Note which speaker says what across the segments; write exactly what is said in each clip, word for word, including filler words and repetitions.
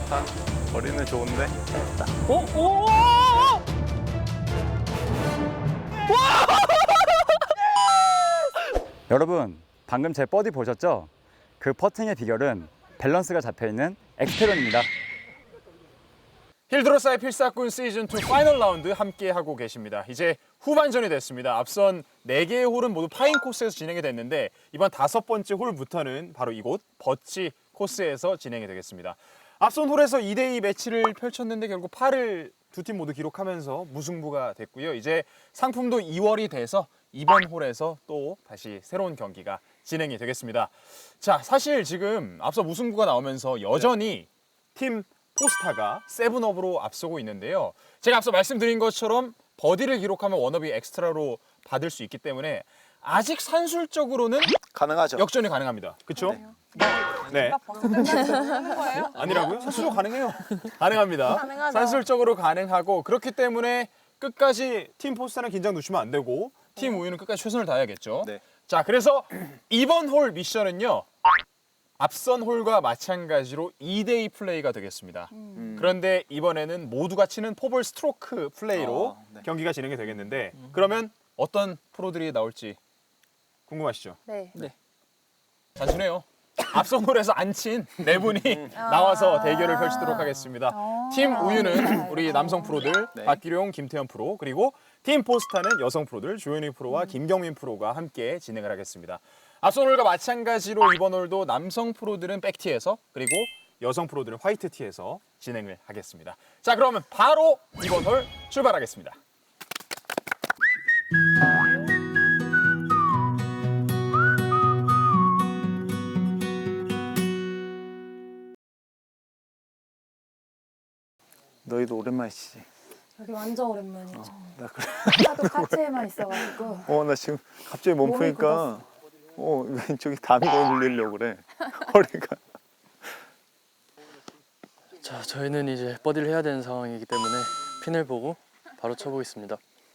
Speaker 1: 좋다. 거리는 좋은데.
Speaker 2: 오, 오, 오, 오!
Speaker 3: 여러분, 방금 제 버디 보셨죠? 그 퍼팅의 비결은 밸런스가 잡혀있는 엑스테론입니다.
Speaker 2: 힐드로사의 필사꾼 시즌이 파이널 라운드 함께하고 계십니다. 이제 후반전이 됐습니다. 앞선 네 개의 홀은 모두 파인 코스에서 진행이 됐는데 이번 다섯 번째 홀부터는 바로 이곳 버치 코스에서 진행이 되겠습니다. 앞선 홀에서 이 대 이 매치를 펼쳤는데 결국 팔을 두 팀 모두 기록하면서 무승부가 됐고요. 이제 상품도 이월이 돼서 이번 홀에서 또 다시 새로운 경기가 진행이 되겠습니다. 자, 사실 지금 앞서 무승부가 나오면서 여전히 팀 포스타가 세븐업으로 앞서고 있는데요. 제가 앞서 말씀드린 것처럼 버디를 기록하면 원업이 엑스트라로 받을 수 있기 때문에 아직 산술적으로는
Speaker 1: 가능하죠.
Speaker 2: 역전이 가능합니다. 그렇죠? 네. 아니라고요? 산술적으로 가능해요. 가능합니다.
Speaker 4: 가능하죠.
Speaker 2: 산술적으로 가능하고 그렇기 때문에 끝까지 팀 포스타는 긴장 놓치면 안 되고 팀 우유는 끝까지 최선을 다해야겠죠.
Speaker 1: 네.
Speaker 2: 자, 그래서 이번 홀 미션은요. 앞선 홀과 마찬가지로 이 대 이 플레이가 되겠습니다.
Speaker 1: 음.
Speaker 2: 그런데 이번에는 모두가 치는 포볼 스트로크 플레이로
Speaker 1: 어, 네.
Speaker 2: 경기가 진행이 되겠는데 그러면 어떤 프로들이 나올지 궁금하시죠?
Speaker 4: 네.
Speaker 5: 네.
Speaker 2: 단순해요. 앞선 홀에서 안 친 네 분이 나와서 대결을 펼치도록 하겠습니다. 팀 우유는 우리 남성 프로들
Speaker 1: 네.
Speaker 2: 박기룡, 김태현 프로 그리고 팀 포스타는 여성 프로들 조현희 프로와 김경민 프로가 함께 진행을 하겠습니다. 앞선 홀과 마찬가지로 이번 홀도 남성 프로들은 백티에서 그리고 여성 프로들은 화이트티에서 진행을 하겠습니다. 자, 그러면 바로 이번 홀 출발하겠습니다.
Speaker 1: 너희도 오랜만에 치지.
Speaker 4: 여기 완전 오랜만이죠.
Speaker 1: 나 그래.
Speaker 4: 하도 카트에만 있어가지고.
Speaker 1: 어, 나 지금 갑자기 몸
Speaker 4: 몸이
Speaker 1: 푸니까 어, 왼쪽이 담이 걸리려고 그래. 허리가.
Speaker 5: 자, 저희는 이제 버디를 해야 되는 상황이기 때문에 핀을 보고 바로 쳐보겠습니다.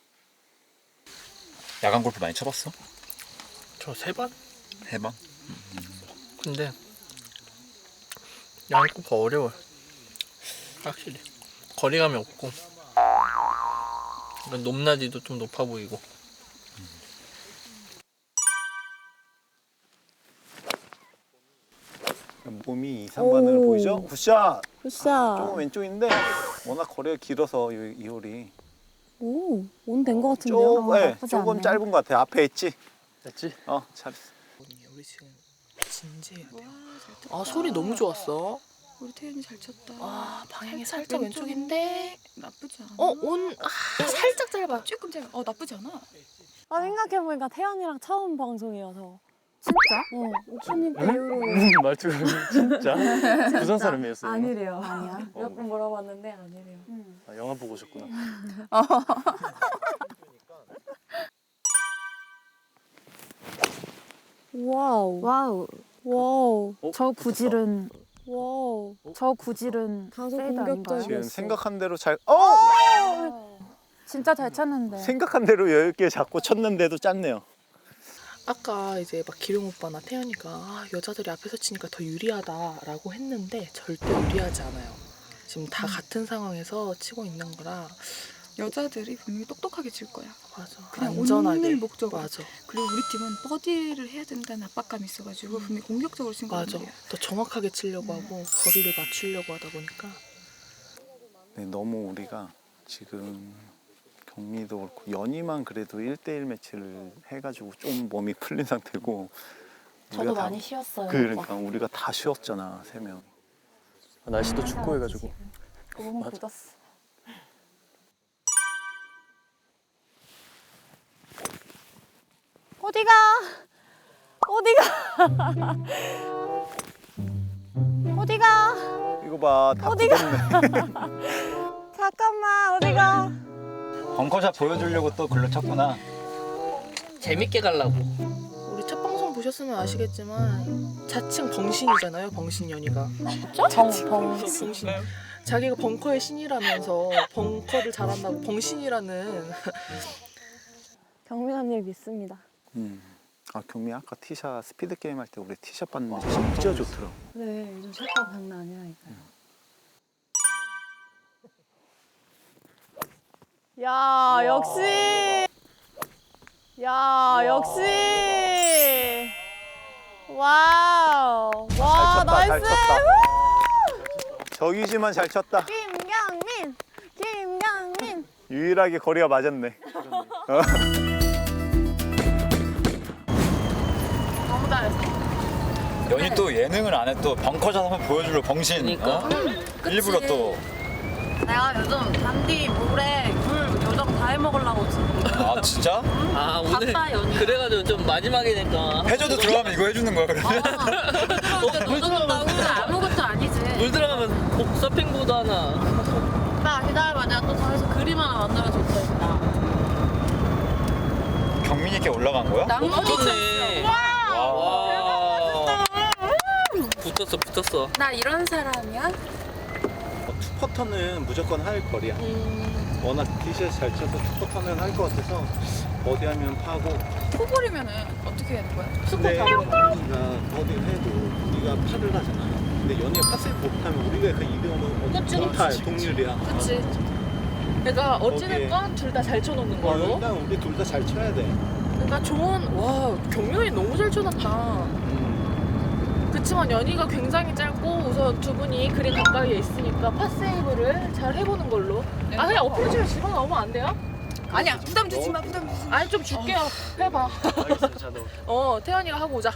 Speaker 6: 야간 골프 많이 쳐봤어?
Speaker 5: 저 세 번?
Speaker 6: 해봐.
Speaker 5: 근데 야간 골프가 어려워요. 확실히 거리감이 없고 높낮이도 좀 높아 보이고.
Speaker 1: 몸이 이상반을
Speaker 4: 오.
Speaker 1: 보이죠? 굿샷.
Speaker 4: 굿샷.
Speaker 1: 조금 왼쪽인데 워낙 거리가 길어서 이, 이 홀이
Speaker 4: 오, 온 된 것 같은데요?
Speaker 1: 조금,
Speaker 4: 아,
Speaker 1: 네,
Speaker 4: 나쁘지
Speaker 1: 조금
Speaker 4: 않네요.
Speaker 1: 짧은 것 같아. 앞에 있지?
Speaker 5: 됐지?
Speaker 1: 어, 잘했어.
Speaker 7: 우리 지금 진지해야 돼요.
Speaker 8: 아 소리 너무 좋았어.
Speaker 7: 우리 태연이 잘 쳤다.
Speaker 8: 아 방향이
Speaker 7: 살짝
Speaker 8: 살짝 왼쪽인데.
Speaker 7: 나쁘지 않아.
Speaker 8: 어온 아, 살짝 짧아.
Speaker 7: 조금 짧아. 어 나쁘지 않아.
Speaker 4: 아, 생각해보니까 태연이랑 처음 방송이어서. 진짜? 어, 오프닝 때 이후로.
Speaker 5: 말투가 진짜 부산 사람이었어요.
Speaker 4: 아니래요. 아니야? 몇 번 물어봤는데 아니래요.
Speaker 5: 아, 영화 보고 오셨구나.
Speaker 4: 와우.
Speaker 9: 와우.
Speaker 4: 와우.
Speaker 5: 어?
Speaker 9: 저 구질은
Speaker 4: 와우.
Speaker 9: 저 구질은
Speaker 4: 다소
Speaker 9: 페이드 아닌가요?
Speaker 4: 공격적이었어.
Speaker 1: 지금 생각한 대로 잘, 어!
Speaker 9: 진짜 잘 쳤는데.
Speaker 1: 생각한 대로 여유 있게 잡고 쳤는데도 짰네요.
Speaker 8: 아까 이제 막 기룡 오빠나 태연이가 아, 여자들이 앞에서 치니까 더 유리하다라고 했는데 절대 유리하지 않아요. 지금 다 같은 상황에서 치고 있는 거라.
Speaker 7: 여자들이 분명히 똑똑하게 칠 거야.
Speaker 8: 맞아.
Speaker 7: 그냥
Speaker 8: 안전하게.
Speaker 7: 오늘 목적으로.
Speaker 8: 맞아.
Speaker 7: 그리고 우리 팀은 버디를 해야 된다는 압박감이 있어가지고 분명히 공격적으로 친
Speaker 8: 맞아.
Speaker 7: 거야.
Speaker 8: 더 정확하게 치려고 하고 거리를 맞추려고 하다 보니까.
Speaker 1: 네, 너무 우리가 지금 경미도 그렇고 연희만 그래도 일 대일 매치를 해가지고 좀 몸이 풀린 상태고
Speaker 4: 저도
Speaker 1: 우리가 다-
Speaker 4: 많이 쉬었어요.
Speaker 1: 그러니까 우리가 다 쉬었잖아, 세 명.
Speaker 5: 아, 날씨도 춥고 해가지고.
Speaker 4: 너무
Speaker 5: 맞아.
Speaker 4: 굳었어. 어디가? 어디가? 어디가?
Speaker 1: 이거 봐, 다
Speaker 4: 어디가?
Speaker 1: 굳었네.
Speaker 4: 잠깐만, 어디가?
Speaker 6: 벙커샷 보여주려고 또 글로 쳤구나.
Speaker 8: 재밌게 가려고. 우리 첫 방송 보셨으면 아시겠지만 자칭 벙신이잖아요. 벙신 연희가.
Speaker 4: 정, 벙.
Speaker 8: 벙신. 자기가 벙커의 신이라면서 벙커를 잘한다고 벙신이라는.
Speaker 4: 경민 언니를 믿습니다.
Speaker 1: 음. 아, 경미 아까 티샷 스피드 게임 할 때 우리 티샷 봤는데 진짜 좋더라고.
Speaker 4: 네, 요즘 샷감 장난 아니라니까요. 야, 역시. 야, 역시. 와우. 와,
Speaker 1: 잘 쳤다, 잘
Speaker 4: 나이스.
Speaker 1: 쳤다. 저기지만 잘 쳤다.
Speaker 4: 김경민. 김경민.
Speaker 1: 유일하게 거리가 맞았네.
Speaker 8: 너무 잘했어.
Speaker 6: 연이 또 예능을 안 해 또 벙커샷 한번 보여주려 병신. 어? 일부러 또.
Speaker 4: 내가 요즘 잔디 물에 물 요정 다 해먹으려고 지금.
Speaker 6: 아 진짜?
Speaker 5: 아 오늘
Speaker 4: 바빠, 연이야.
Speaker 5: 그래가지고 좀 마지막이니까
Speaker 6: 해저도 들어가면 이거 해주는 거야 그러면?
Speaker 4: 물 들어온다고? 아무것도 아니지.
Speaker 5: 물 들어가면 복- 서핑보드 하나.
Speaker 4: 나 기다려봐. 내가 또 저기서 그림 하나 만들어줄 거니까.
Speaker 6: 경민이께 올라간 거야?
Speaker 5: 붙었네. 와. 붙었어 붙었어.
Speaker 7: 나 이런 사람이야?
Speaker 1: 투퍼터는 무조건 할 거리야. 워낙 티샷 잘 쳐서 투퍼터는 할 것 같아서 버디하면 파고.
Speaker 7: 포볼이면은 어떻게 되는 거야?
Speaker 1: 근데 우리가 버디를 해도 우리가 파를 하잖아. 근데 연이가 파세이브 못하면 우리가 그 이득은
Speaker 8: 그치,
Speaker 1: 동탈,
Speaker 8: 그치.
Speaker 1: 동률이야.
Speaker 8: 그치. 그러니까
Speaker 1: 거기에-
Speaker 8: 어찌됐건 둘 다 잘 쳐놓는
Speaker 1: 어,
Speaker 8: 걸로.
Speaker 1: 일단 우리 둘 다 잘 쳐야 돼.
Speaker 8: 그러니까 좋은 와 경련이 너무 잘 쳐놨다. 그치만 연이가 굉장히 짧고 우선 두 분이 그린 가까이에 있으니까 파세이브를 잘 해보는 걸로. 아 그냥 어프로치를 집어넣으면 안 돼요?
Speaker 7: 아니야 부담 주지 마 부담 주지 마.
Speaker 8: 아니 좀 줄게요. 해봐. 어 태연이가 하고 오자.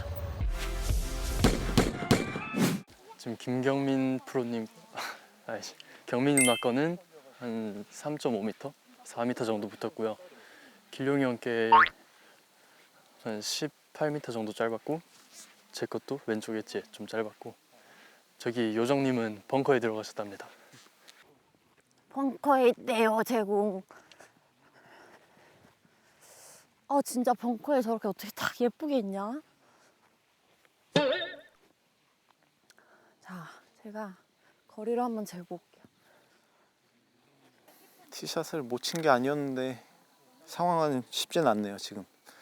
Speaker 5: 지금 김경민 프로님, 아니 경민 누나 거는 한 삼 점 오 미터, 사 미터 정도 붙었고요. 길룡이 형께 한 십팔 미터 정도 짧았고, 제 것도 왼쪽 엣지에 좀 짧았고, 저기 요정님은 벙커에 들어가셨답니다.
Speaker 4: 벙커에 있대요, 제공. 아, 진짜 벙커에 저렇게 어떻게 딱 예쁘게 있냐? 자, 제가 거리를 한번 재고 올게요.
Speaker 1: 티샷을 못 친 게 아니었는데 상황은 쉽진 않네요 지금.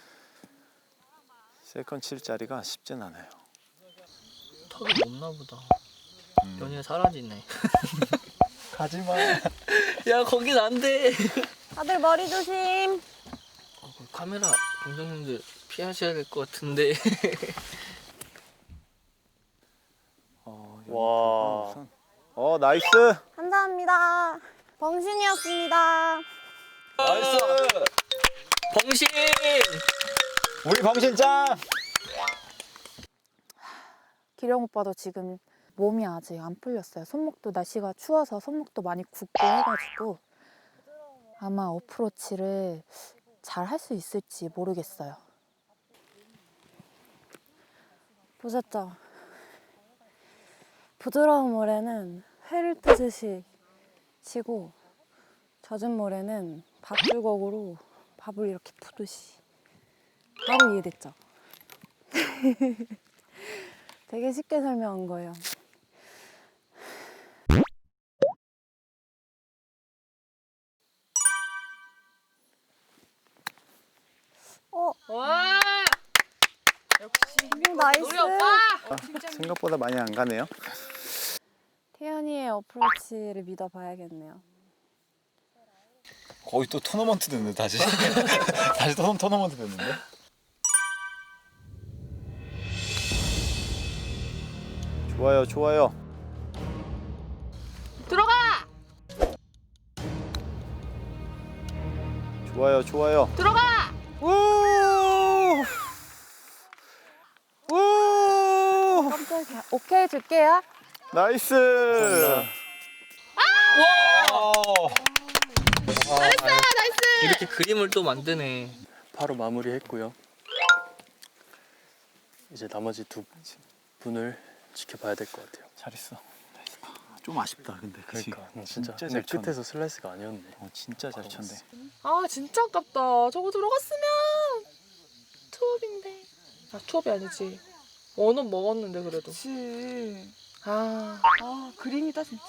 Speaker 1: 세컨 칠 자리가 쉽진 않아요.
Speaker 5: 턱이 높나 보다. 연이가 사라지네.
Speaker 6: 가지마.
Speaker 5: 야 거긴 안 돼.
Speaker 4: 다들 머리 조심.
Speaker 5: 어, 그 카메라 감독님들 피하셔야 될 것 같은데.
Speaker 1: 어,
Speaker 2: 와.
Speaker 1: 우선. 어 나이스.
Speaker 4: 감사합니다. 벙신이었습니다.
Speaker 6: 나이스.
Speaker 5: 벙신!
Speaker 6: 우리 병신 짱.
Speaker 9: 기령 오빠도 지금 몸이 아직 안 풀렸어요. 손목도 날씨가 추워서 손목도 많이 굽고 해가지고 아마 어프로치를 잘 할 수 있을지 모르겠어요.
Speaker 4: 보셨죠? 부드러운 모래는 회를 뜨듯이 치고 젖은 모래는 밥줄걱으로 밥을 이렇게 푸듯이. 바로 이해됐죠? 되게 쉽게 설명한 거예요. 어,
Speaker 8: 와
Speaker 4: 음, 나이스.
Speaker 8: 우리 오빠.
Speaker 1: 아, 생각보다 많이 안 가네요.
Speaker 4: 태연이의 어프로치를 믿어봐야겠네요.
Speaker 6: 거의 또 토너먼트 됐네 다시. 다시 토너, 토너먼트 됐는데.
Speaker 1: 좋아요 좋아요.
Speaker 8: 들어가.
Speaker 1: 좋아요 좋아요.
Speaker 8: 들어가.
Speaker 1: 우! 우!
Speaker 9: 깜짝이야. 오케이 줄게요.
Speaker 1: 나이스.
Speaker 5: 이렇게 그림을 또 만드네. 바로 마무리했고요. 이제 나머지 두 분을 지켜봐야 될 것 같아요.
Speaker 1: 잘했어. 좀 아쉽다 근데. 그치?
Speaker 5: 그러니까 나 진짜,
Speaker 1: 진짜
Speaker 5: 내
Speaker 1: 잘 쳤네.
Speaker 5: 끝에서 슬라이스가 아니었네.
Speaker 1: 어, 진짜 잘 쳤네.
Speaker 8: 아 진짜 아깝다. 저거 들어갔으면 투업인데. 아 투업이 아니지. 원은 먹었는데 그래도.
Speaker 7: 그치.
Speaker 8: 아
Speaker 7: 아 그림이다 진짜.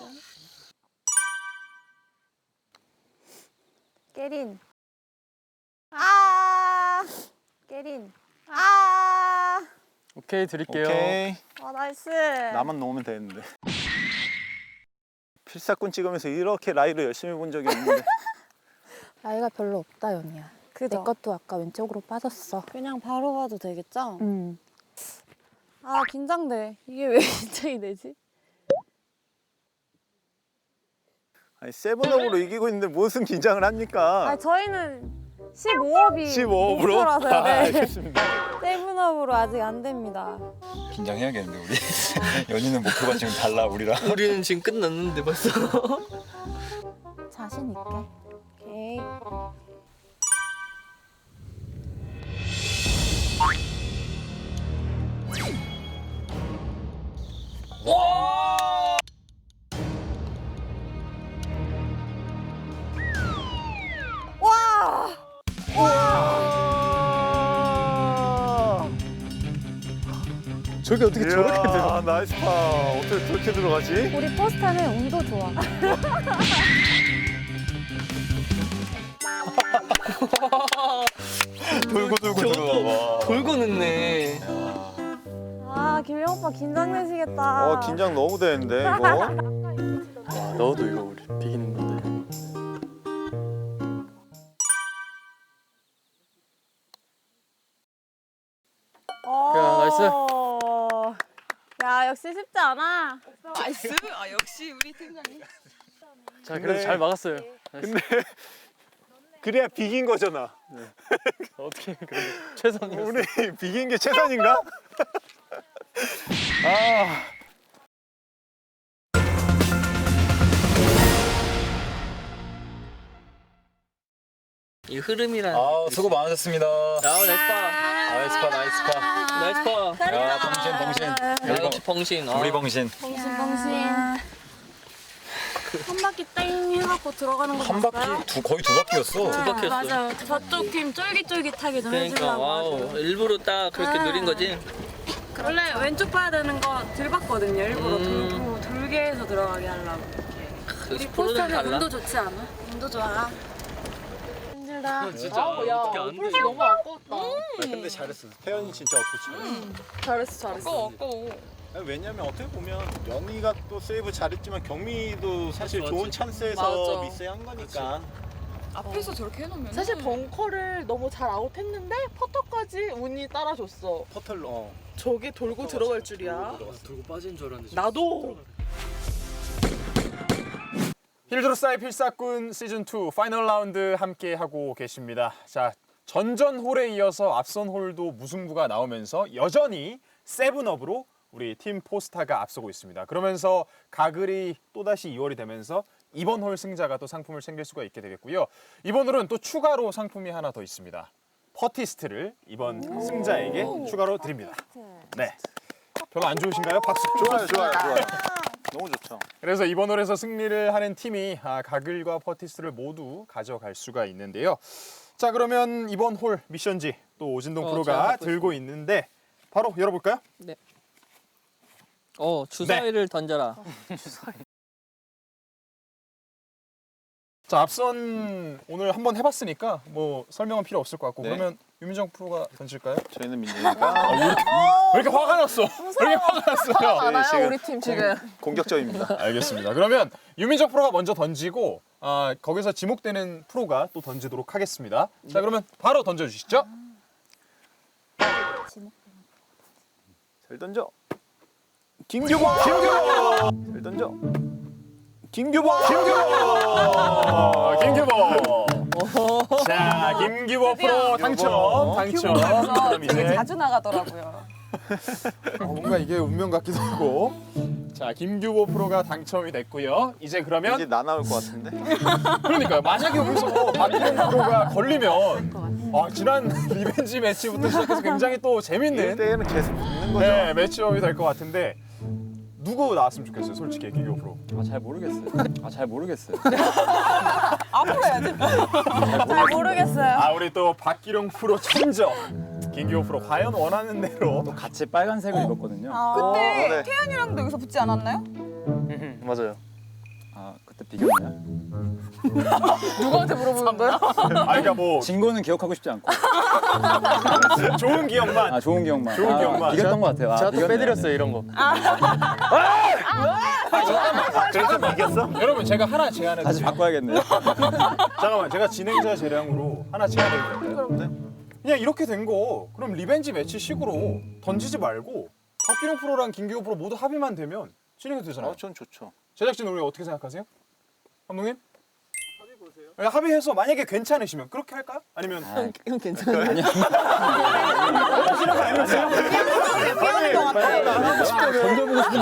Speaker 4: 깨린. 아, 깨린. 아,
Speaker 5: 오케이 드릴게요.
Speaker 1: 오케이.
Speaker 4: 아 나이스.
Speaker 1: 나만 놓으면 되는데. 필사꾼 찍으면서 이렇게 라이를 열심히 본 적이 없는데.
Speaker 9: 나이가 별로 없다 연희야. 내
Speaker 4: 그죠?
Speaker 9: 것도 아까 왼쪽으로 빠졌어.
Speaker 4: 그냥 바로 봐도 되겠죠?
Speaker 9: 음.
Speaker 4: 아 긴장돼. 이게 왜 긴장이 되지?
Speaker 1: 아니 세븐업으로 이기고 있는데 무슨 긴장을 합니까?
Speaker 4: 아 저희는 십오업이
Speaker 1: 십오 업으로?
Speaker 4: 목표라서요.
Speaker 1: 아,
Speaker 4: 네.
Speaker 1: 알겠습니다.
Speaker 4: 세븐업으로 아직 안 됩니다.
Speaker 6: 긴장해야겠는데 우리. 연희는 목표가 지금 달라 우리랑.
Speaker 5: 우리는 지금 끝났는데 벌써.
Speaker 9: 자신 있게.
Speaker 4: 오케이. 와! 와!
Speaker 1: 저게 어떻게 저렇게 들어? 나이스 파. 어떻게 저렇게 들어가지?
Speaker 4: 우리 포스타는 운도 좋아.
Speaker 6: 돌고 돌고 들어와.
Speaker 5: 돌고 늦네.
Speaker 4: 아 김영 오빠 긴장되시겠다.
Speaker 1: 어 긴장 너무 되는데 이거.
Speaker 5: 와, 넣어도 이거 우리 비기는 건데. 야, 나이스.
Speaker 4: 어. 야 역시 쉽지 않아.
Speaker 7: 나이스. 아 역시 우리 팀장님.
Speaker 5: 자, 그래도
Speaker 1: 네.
Speaker 5: 잘 막았어요.
Speaker 1: 근데 그래야 비긴 거잖아.
Speaker 5: 어떻게 그래도 최선이었어.
Speaker 1: 우리 비긴 게 최선인가? 아.
Speaker 5: 이 흐름이란.
Speaker 6: 아 수고 많으셨습니다.
Speaker 5: 아, 나이스 파.
Speaker 6: 나이스 파 나이스 파.
Speaker 5: 나이스 파.
Speaker 6: 야 봉신 봉신.
Speaker 5: 야, 역시 벙신. 아.
Speaker 6: 우리 봉신.
Speaker 4: 벙신벙신. 한 바퀴 땡 해갖고 들어가는 거
Speaker 6: 한
Speaker 4: 봤어요?
Speaker 6: 바퀴 두 거의 두 바퀴였어.
Speaker 5: 두 바퀴였어.
Speaker 4: 맞아요. 저쪽 팀 쫄깃쫄깃하게 좀
Speaker 5: 그러니까
Speaker 4: 해주려고.
Speaker 5: 와우. 일부러 딱 그렇게
Speaker 4: 아.
Speaker 5: 누린 거지.
Speaker 4: 원래 왼쪽 봐야 되는 거 들 봤거든요. 일부러
Speaker 5: 음.
Speaker 4: 돌고 돌게 해서 들어가게 하려고. 우리
Speaker 5: 프로는
Speaker 4: 포스터는
Speaker 5: 달라.
Speaker 4: 운도 좋지 않아? 운도 좋아. 힘들다.
Speaker 5: 진짜
Speaker 8: 야,
Speaker 5: 어떻게 안 돼?
Speaker 8: 어플이 너무 아까웠다.
Speaker 1: 근데 잘했어. 태연이 진짜 어프치.
Speaker 8: 잘했어, 잘했어.
Speaker 7: 아까워 아까워.
Speaker 1: 왜냐면 어떻게 보면 연희가 또 세이브 잘했지만 경미도 사실
Speaker 5: 맞지,
Speaker 1: 좋은
Speaker 5: 맞지.
Speaker 1: 찬스에서
Speaker 7: 맞아.
Speaker 1: 미스한 거니까.
Speaker 7: 앞에서 저렇게 해놓으면
Speaker 8: 사실 벙커를 너무 잘 아웃했는데 퍼터까지 운이 따라줬어.
Speaker 1: 퍼틀로. 어.
Speaker 8: 저게 돌고 들어갈 줄이야.
Speaker 5: 들고 빠진 줄 알았는데.
Speaker 8: 나도.
Speaker 2: 힐드로스타의 필사꾼 시즌 투 파이널 라운드 함께 하고 계십니다. 자, 전전 홀에 이어서 앞선 홀도 무승부가 나오면서 여전히 세븐업으로 우리 팀 포스타가 앞서고 있습니다. 그러면서 가글이 또다시 이월이 되면서 이번 홀 승자가 또 상품을 챙길 수가 있게 되겠고요. 이번 홀은 또 추가로 상품이 하나 더 있습니다. 퍼티스트를 이번 승자에게 추가로 드립니다. 네. 별로 안 좋으신가요? 박수.
Speaker 1: 좋아요, 좋아요, 좋아요. 너무 좋죠.
Speaker 2: 그래서 이번 홀에서 승리를 하는 팀이 아, 가글과 퍼티스를 모두 가져갈 수가 있는데요. 자, 그러면 이번 홀 미션지 또 오진동
Speaker 5: 어, 잘
Speaker 2: 프로가
Speaker 5: 갖고
Speaker 2: 들고 있는데 바로 열어볼까요?
Speaker 5: 어, 주사위를 던져라.
Speaker 2: 자, 앞선 오늘 한번 해봤으니까 뭐 설명은 필요 없을 것 같고
Speaker 1: 네.
Speaker 2: 그러면 유민정 프로가 던질까요?
Speaker 1: 저희는 민재니까
Speaker 2: 왜 이렇게 화가 났어? 왜 이렇게 화가 났어요?
Speaker 1: 저희 지금
Speaker 8: 우리 팀 지금.
Speaker 1: 공격적입니다.
Speaker 2: 알겠습니다. 그러면 유민정 프로가 먼저 던지고 아, 거기서 지목되는 프로가 또 던지도록 하겠습니다. 자, 그러면 바로 던져주시죠.
Speaker 1: 잘 던져. 김규범. 김규범. 잘 던져. 김규범.
Speaker 2: 김규범. 김규범. 자, 김규범 프로 당첨. 당첨. 그럼 이제
Speaker 7: 자주 나가더라고요.
Speaker 2: 어, 뭔가 이게 운명 같기도 하고. 자, 김규보 프로가 당첨이 됐고요. 이제 그러면
Speaker 1: 이제 나 나올 것 같은데.
Speaker 2: 그러니까요. 만약에 여기서 박기동 프로가 걸리면 아, 지난 리벤지 매치부터 시작해서 굉장히 또 재밌는
Speaker 1: 일 대일은 계속 붙는 거죠.
Speaker 2: 네, 매치업이 될 것 같은데 누구 나왔으면 좋겠어요, 솔직히 김규보 프로.
Speaker 3: 아, 잘 모르겠어요. 아, 잘 모르겠어요.
Speaker 7: 앞으로 해야지.
Speaker 4: 잘 모르겠어요.
Speaker 2: 아, 우리 또 박기룡 프로 천적. 김규보 프로 과연 원하는 대로
Speaker 3: 같이 빨간색을 입었거든요.
Speaker 7: 그때
Speaker 1: 어, 네.
Speaker 7: 태연이랑도 여기서 붙지 않았나요?
Speaker 5: 맞아요.
Speaker 3: 아, 그때 비겼나요?
Speaker 8: 누구한테 물어보는 거야?
Speaker 2: 아, 그러니까 뭐
Speaker 3: 진 거는 기억하고 싶지 않고.
Speaker 2: 좋은 기억만.
Speaker 3: 아, 좋은 기억만.
Speaker 2: 좋은
Speaker 3: 아,
Speaker 2: 기억만.
Speaker 3: 이겼던 것 같아요. 아,
Speaker 5: 제가 또
Speaker 3: 이겼네요.
Speaker 5: 빼드렸어요, 이런 거.
Speaker 2: 아, 잠깐만.
Speaker 1: 그래서 이겼어?
Speaker 2: 여러분 제가 하나 제안해
Speaker 3: 다시
Speaker 2: 드릴게요.
Speaker 3: 바꿔야겠네요.
Speaker 2: 잠깐만 제가 진행자 재량으로 하나 제안해 드릴까요? 그냥 이렇게 된 거 그럼 리벤지 매치 식으로 던지지 말고 박기룡 프로랑 김기호 프로 모두 합의만 되면 진행이 되잖아요.
Speaker 1: 어, 전 좋죠.
Speaker 2: 제작진 우리 어떻게 생각하세요? 감독님? 합의 보세요. 합의해서 만약에 괜찮으시면 그렇게 할까요? 아니면
Speaker 3: 아,
Speaker 4: 형 괜찮아요?
Speaker 2: 하시는 거 아니었어요?
Speaker 3: 던져보고 싶은데.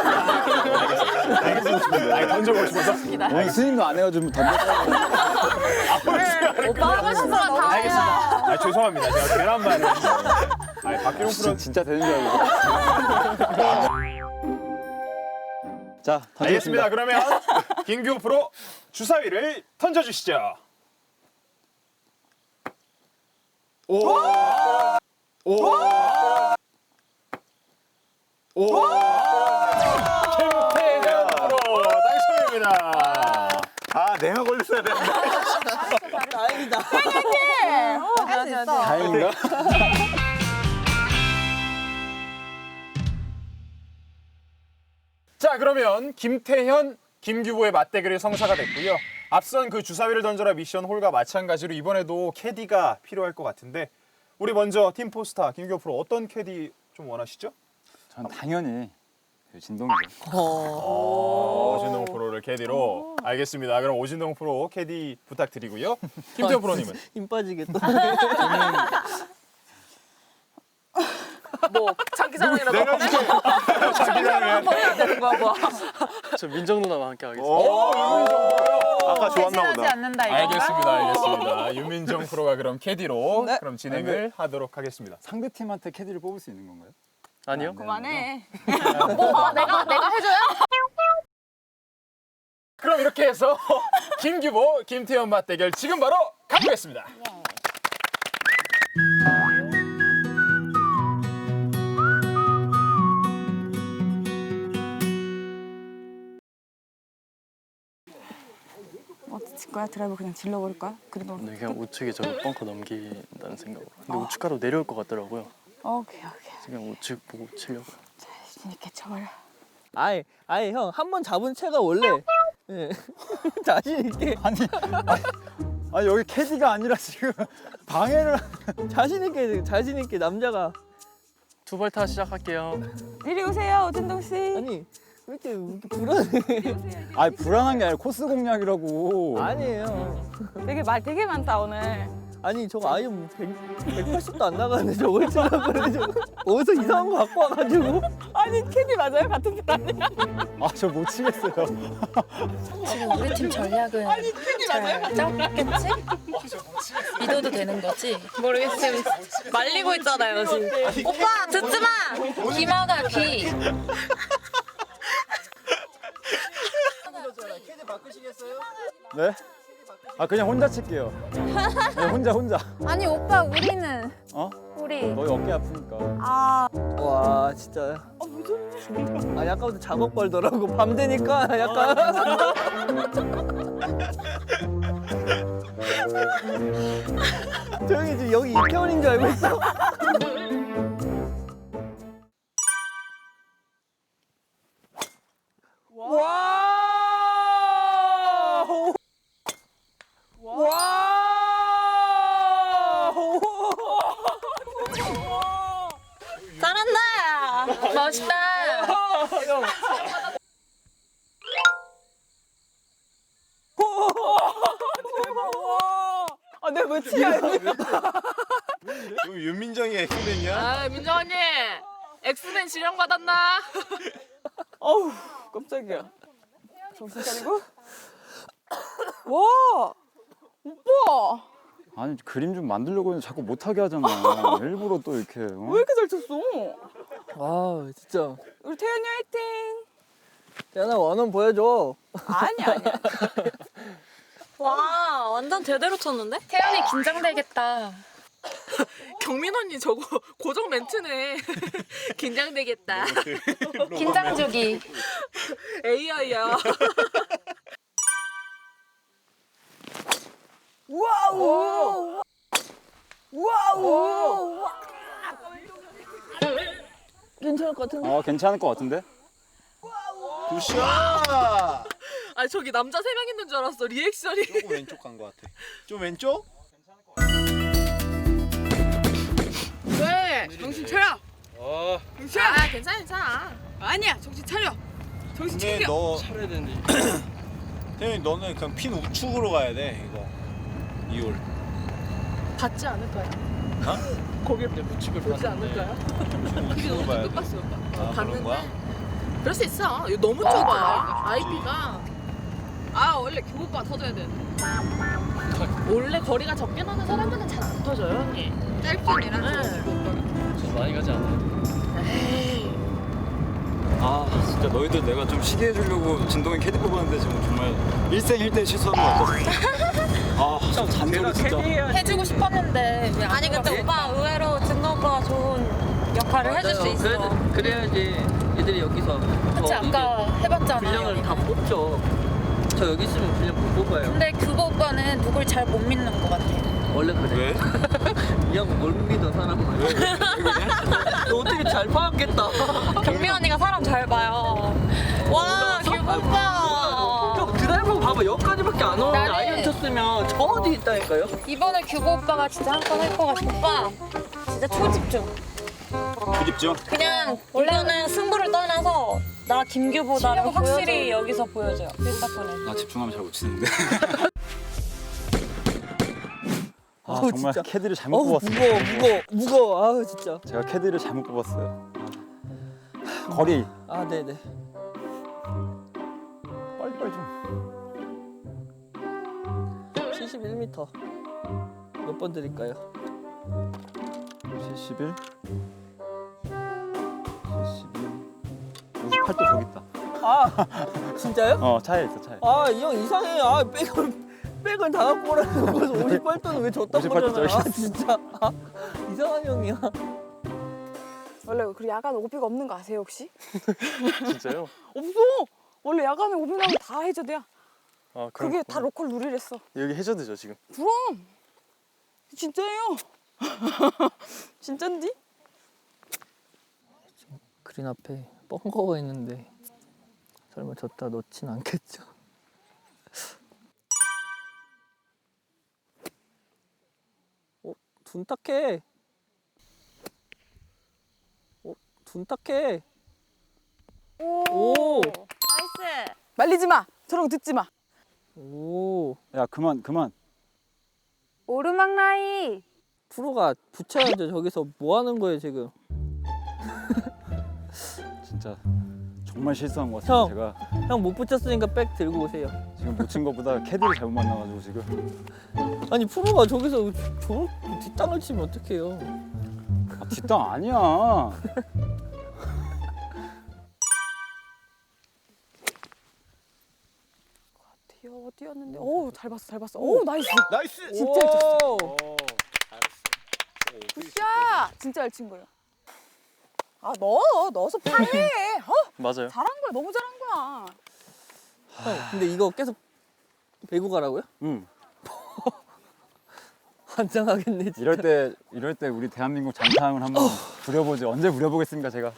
Speaker 2: 알겠습니다. 아니 던져보고 싶어서.
Speaker 3: 오늘 스님도 안 해가지고 던져.
Speaker 8: 오빠 하고 싶은 거다
Speaker 2: 알겠습니다. 아, 죄송합니다. 제가 계란말이. 아니 박기룡 프로
Speaker 3: 진짜 되는 줄 알고. 자,
Speaker 2: 알겠습니다.
Speaker 3: 던지겠습니다.
Speaker 2: 그러면 김규호 프로 주사위를 던져주시죠. 오! 오! 오! 김태현 프로 당첨입니다.
Speaker 1: 아, 내가 걸렸어야 되는데.
Speaker 4: 다행이다.
Speaker 9: 할수 있어.
Speaker 3: 다행인가?
Speaker 2: 자, 그러면 김태현, 김규보의 맞대결이 성사가 됐고요. 앞선 그 주사위를 던져라 미션 홀과 마찬가지로 이번에도 캐디가 필요할 것 같은데 우리 먼저 팀 포스타 김규호 프로 어떤 캐디 좀 원하시죠?
Speaker 3: 전 당연히 그 진동이죠.
Speaker 2: 어, 오진동 프로를 캐디로 알겠습니다. 그럼 오진동 프로 캐디 부탁드리고요. 김태현 프로님은
Speaker 4: 힘 빠지겠다.
Speaker 8: 뭐 장기자랑이라도
Speaker 1: 내가
Speaker 8: 하네?
Speaker 1: 지금
Speaker 8: 장기자랑 해야 되는 거야 뭐.
Speaker 5: 저 민정 누나와 함께 하겠습니다.
Speaker 2: 오, 유민정 프로.
Speaker 1: 아까 좋았나
Speaker 9: 배신하지
Speaker 1: 보다.
Speaker 9: 않는다 이거.
Speaker 2: 알겠습니다, 알겠습니다. 유민정 프로가 그럼 캐디로
Speaker 4: 네.
Speaker 2: 그럼 진행을 하도록 하겠습니다.
Speaker 3: 상대 팀한테 캐디를 뽑을 수 있는 건가요?
Speaker 5: 아니요?
Speaker 9: 그만해.
Speaker 8: 뭐 내가 내가 해줘요?
Speaker 2: 그럼 이렇게 해서 김규보, 김태현 맞대결 지금 바로 가보겠습니다.
Speaker 9: 어떻게 칠 거야? 드라이브 그냥 질러버릴 거야? 그래도
Speaker 5: 네, 그냥 우측에 저 벙커 넘긴다는 생각으로. 근데 우측가로 내려올 것 같더라고요.
Speaker 9: 오케이 오케이.
Speaker 5: 그냥 우측 보고 치려고요.
Speaker 9: 자신 있게 쳐버려.
Speaker 4: 아이, 아이 형 한 번 잡은 채가 원래 예. 자신 있게
Speaker 3: 아니, 아니, 아니 여기 캐디가 아니라 지금 방해를.
Speaker 4: 자신 있게 자신 있게 남자가
Speaker 5: 투발타 시작할게요.
Speaker 9: 이리 오세요 오진동 씨.
Speaker 4: 아니 왜 이렇게, 왜 이렇게 불안해?
Speaker 3: 아니 불안한 게 아니라 코스 공략이라고.
Speaker 4: 아니에요.
Speaker 9: 되게 말 되게 많다 오늘.
Speaker 4: 아니 저거 아예 뭐 백, 백팔십도 안 나가는데 저걸 치려고 그래. 저거. 어디서 이상한 거 갖고 와가지고.
Speaker 9: 아니 캐디 맞아요? 같은 팀 아니야?
Speaker 3: 아 저 못 치겠어요.
Speaker 7: 지금 우리 팀 전략은 잘 짰겠지? 믿어도 되는 거지?
Speaker 8: 모르겠어 지금 말리고 있잖아요 지금.
Speaker 7: 오빠 듣지 마! 기마가 기.
Speaker 3: 네? 아 그냥 혼자 칠게요. 네, 혼자 혼자.
Speaker 9: 아니 오빠 우리는
Speaker 3: 어?
Speaker 9: 우리.
Speaker 3: 너희 어깨 아프니까.
Speaker 9: 아
Speaker 4: 와 진짜. 아니 아까부터 작업 걸더라고. 밤 되니까 약간. 조용히 지금 여기 이태원인 줄 알고 있어.
Speaker 9: 와. 와.
Speaker 7: 잘한다! 멋있다!
Speaker 4: 아 내가 왜 치냐?
Speaker 1: 이거 윤민정이 엑스맨이야?
Speaker 8: 아 민정 언니 엑스맨 지령 받았나?
Speaker 4: 어우 깜짝이야.
Speaker 9: 정신 차리고. 와. 오빠.
Speaker 3: 아니 그림 좀 만들려고 했는데 자꾸 못하게 하잖아. 일부러 또 이렇게. 어?
Speaker 9: 왜 이렇게 잘 쳤어?
Speaker 4: 아 진짜.
Speaker 9: 우리 태연이 화이팅.
Speaker 4: 야나 원원 보여줘.
Speaker 9: 아니야 아니야.
Speaker 7: 와, 완전 제대로 쳤는데? 태연이 긴장되겠다.
Speaker 8: 경민 언니 저거 고정 멘트네. 긴장되겠다.
Speaker 7: 긴장 주기.
Speaker 8: 에이아이야.
Speaker 4: 와우. 와우. 괜찮을 것 같은데?
Speaker 3: 어 괜찮을 것 같은데?
Speaker 1: 굿샷.
Speaker 8: 아니 저기 남자 세 명 있는 줄 알았어 리액션이.
Speaker 1: 조금 왼쪽 간 것 같아. 좀 왼쪽?
Speaker 7: 왜? 정신 차려.
Speaker 5: 아
Speaker 7: 정신.
Speaker 8: 아 괜찮아 괜찮아.
Speaker 7: 아니야 정신 차려. 정신
Speaker 1: 근데
Speaker 7: 챙겨.
Speaker 1: 너
Speaker 5: 차려야 되는데.
Speaker 1: 태현이 너는 그냥 핀 우측으로 가야 돼 이거. 이홀.
Speaker 8: 받지 않을까요?
Speaker 1: 어?
Speaker 8: 거기
Speaker 5: 우측을
Speaker 8: 보지 않을까요?
Speaker 1: 우측으로 가야 돼.
Speaker 8: 못 봤어 오빠.
Speaker 1: 아, 그런 거야?
Speaker 8: 그럴 수 있어. 이거 너무 좁아. 아이피가
Speaker 7: 아 원래 교오빠 터져야 돼.
Speaker 8: 원래 거리가 적게 나는 사람들은 잘 안 터져요 언니.
Speaker 7: 짧게이라
Speaker 8: 네.
Speaker 5: 저 많이 가지 않아요.
Speaker 8: 에이.
Speaker 6: 아 진짜 너희들 내가 좀 시기 해주려고 진동이 캐디 뽑았는데 지금 정말 일생일대 실수한 것 같았어. 아참 잔소리 진짜.
Speaker 9: 해주고 싶었는데 아니 근데 오빠 의외로 진동 오빠가 좋은 역할을 해줄 수 있어.
Speaker 4: 그래야지 애들이 여기서
Speaker 9: 그치 아까 해봤잖아. 여기.
Speaker 4: 다 뽑죠. 저 여기 있으면 분량 못 뽑아요.
Speaker 9: 근데 그거 오빠는 누굴 잘 못 믿는 것 같아.
Speaker 4: 원래 그래.
Speaker 6: 왜?
Speaker 4: 이 형 뭘 믿어 사람을.
Speaker 6: 왜? 왜 그래?
Speaker 4: 너 어떻게 잘 파악했다.
Speaker 9: 경미 언니가 사람 잘 봐요. 와 규보 오빠.
Speaker 4: 형 드라이버 봐봐 여기까지밖에 안 오는데
Speaker 9: 나는-
Speaker 4: 아이언 쳤으면 저 어디 있다니까요?
Speaker 9: 이번에 규보 오빠가 진짜 한 건 할 것 같아. 오빠 진짜 초집중.
Speaker 6: 부집죠?
Speaker 9: 그냥 이거는 승부를 떠나서 나 김규보다는 확실히 여기서 보여줘요. 필사폰에.
Speaker 6: 나 집중하면 잘 못 치는데.
Speaker 3: 아
Speaker 4: 어우,
Speaker 3: 정말
Speaker 4: 진짜.
Speaker 3: 캐디를 잘못
Speaker 4: 어우
Speaker 3: 뽑았어요.
Speaker 4: 무거워 무거워 무거워. 아우 진짜.
Speaker 3: 제가 캐디를 잘못 뽑았어요. 아, 거리
Speaker 4: 아 네네.
Speaker 3: 빨리빨리 좀.
Speaker 4: 칠십일 미터. 몇 번 드릴까요?
Speaker 3: 칠십일. 칠십일. 오십팔 도 저기 있다.
Speaker 4: 아 진짜요?
Speaker 3: 어 차에 있어 차에.
Speaker 4: 아 이 형 이상해. 아 백을 백을 다 갖고 오라는 거서 오십팔 도는 왜 줬단
Speaker 3: 오십팔 도
Speaker 4: 거잖아. 아
Speaker 3: 저기
Speaker 4: 진짜. 아, 이상한 형이야.
Speaker 10: 원래 그 야간 오비가 없는 거 아세요 혹시?
Speaker 5: 진짜요?
Speaker 10: 없어. 원래 야간에 오비 나면 다 해저드야.
Speaker 5: 아
Speaker 10: 그게 다 로컬 룰이랬어.
Speaker 5: 여기 해저드죠 지금.
Speaker 10: 그럼 진짜예요. 진짠디?
Speaker 4: 그린 앞에 뻥거가 있는데 설마 졌다 넣진 않겠죠? 어? 둔탁해. 어? 둔탁해. 오!
Speaker 10: 나이스. 말리지 마. 저런 거 듣지 마.
Speaker 4: 오.
Speaker 3: 야 그만 그만.
Speaker 10: 오르막 라이.
Speaker 4: 프로가 붙여야죠. 저기서 뭐 하는 거예요 지금?
Speaker 3: 진짜 정말 실수한 것 같아요.
Speaker 4: 형.
Speaker 3: 제가
Speaker 4: 형 못 붙였으니까 백 들고 오세요.
Speaker 3: 지금 못 친 것보다 캐디를 잘못 만나가지고 지금.
Speaker 4: 아니 프로가 저기서 저 뒷땅을 치면 어떡해요?
Speaker 3: 아, 뒷땅 아니야.
Speaker 10: 뛰어 뛰었는데. 오, 잘 봤어. 잘 봤어. 오, 나이스.
Speaker 1: 나이스.
Speaker 10: 진짜 잘 쳤어.
Speaker 4: 오!
Speaker 1: 오, 잘했어.
Speaker 10: 굿샷. 진짜 잘 친 거예요. 아, 넣어. 넣어서 파해. 어?
Speaker 5: 맞아요.
Speaker 10: 잘한 거야. 너무 잘한 거야.
Speaker 4: 형 근데 이거 계속 배구 가라고요?
Speaker 3: 응.
Speaker 4: 환장하겠네 진짜.
Speaker 3: 이럴 때 이럴 때 우리 대한민국 장타함을 한번 부려보지. 언제 부려보겠습니까 제가.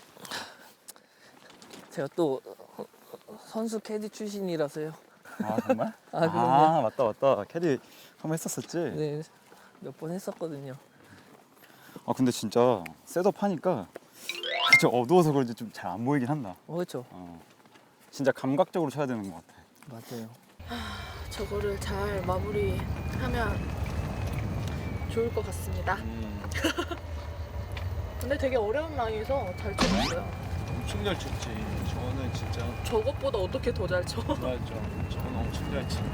Speaker 4: 제가 또 선수 캐디 출신이라서요.
Speaker 3: 아 정말?
Speaker 4: 아 그럼요.
Speaker 3: 아 맞다 맞다. 캐디 한번 했었었지.
Speaker 4: 네, 몇 번 했었거든요.
Speaker 3: 아 근데 진짜 셋업 하니까 진짜 어두워서 그런지 좀 잘 안 보이긴 한다.
Speaker 4: 어, 그렇죠.
Speaker 3: 어. 진짜 감각적으로 쳐야 되는 것 같아.
Speaker 4: 맞아요.
Speaker 8: 저거를 잘 마무리하면 좋을 것 같습니다.
Speaker 1: 음,
Speaker 8: 근데 되게 어려운 라인에서 잘 쳤어요.
Speaker 1: 엄청 잘 쳤지. 저는 진짜
Speaker 8: 저것보다 어떻게 더 잘 쳐?
Speaker 1: 맞죠. 저는 엄청 잘 치.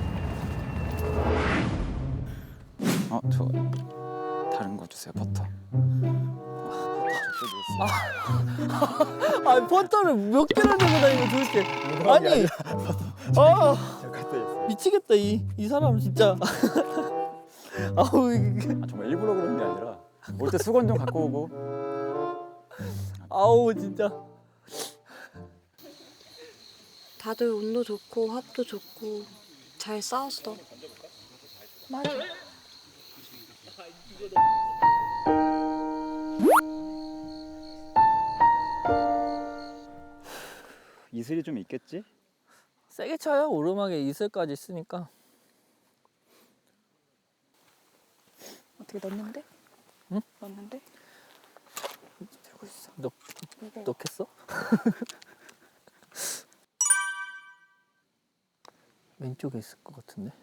Speaker 3: 어, 저 다른 거 주세요. 버터.
Speaker 4: 아 퍼터를 몇 개를 들고 다니고 도대체. 아니. 아 미치겠다 이 이 사람 진짜. 아우 이게.
Speaker 3: 아, 정말 일부러 그런 게 아니라 올 때 수건 좀 갖고 오고.
Speaker 4: 아우 진짜.
Speaker 9: 다들 운도 좋고 합도 좋고 잘 싸웠어.
Speaker 8: 맞아.
Speaker 3: 이 이슬이 좀 있겠지?
Speaker 4: 세게 쳐요. 오르막에 이슬까지 있으니까.
Speaker 7: 어떻게 넣는데?
Speaker 4: 응?
Speaker 7: 넣는데?
Speaker 10: 들고 있어.
Speaker 4: 넣, 넣겠어? 왼쪽에 있을 것 같은데.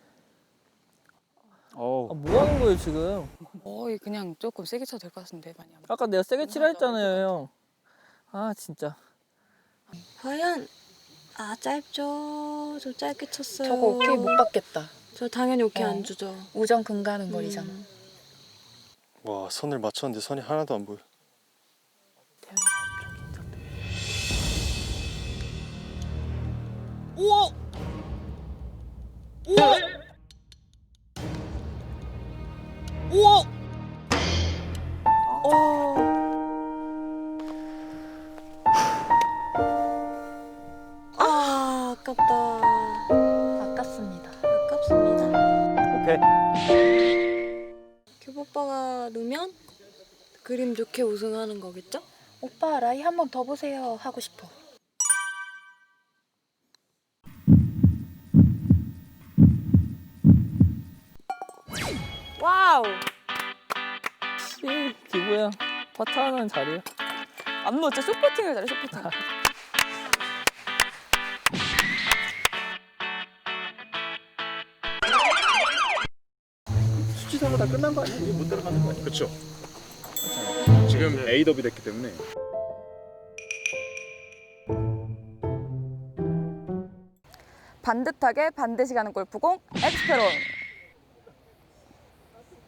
Speaker 3: 어우.
Speaker 4: 아, 뭐 하는 거예요 지금?
Speaker 10: 거의 그냥 조금 세게 쳐도 될 것 같은데 많이 안.
Speaker 4: 아까 내가 세게 치라 했잖아요 형. 아 진짜.
Speaker 11: 과연 아 짧죠. 저 짧게 쳤어요.
Speaker 9: 저거 오케이 못 받겠다.
Speaker 11: 저 당연히 오케이
Speaker 9: 어.
Speaker 11: 안 주죠.
Speaker 9: 우정 금가는 거리잖아.
Speaker 11: 음.
Speaker 5: 와 선을 맞췄는데 선이 하나도 안 보여.
Speaker 4: 우와! 우와! 우와!
Speaker 11: 아 아깝다.
Speaker 9: 아깝습니다.
Speaker 11: 아깝습니다.
Speaker 3: 오케이.
Speaker 11: 규보 오빠가 넣으면 그림 좋게 우승하는 거겠죠?
Speaker 9: 오빠 라이 한 번 더 보세요 하고 싶어.
Speaker 10: 와우.
Speaker 4: 씨, 기부야. 퍼트 하나는 잘해요.
Speaker 10: 안 넣었죠? 쇼퍼팅을 잘해 쇼퍼팅.
Speaker 4: 수치상으로 다 끝난 거 아니야? 못 들어가는 거 아니야?
Speaker 2: 그렇죠. 지금 A 더비 됐기 때문에.
Speaker 10: 반듯하게 반드시 가는 골프공 엑스페론.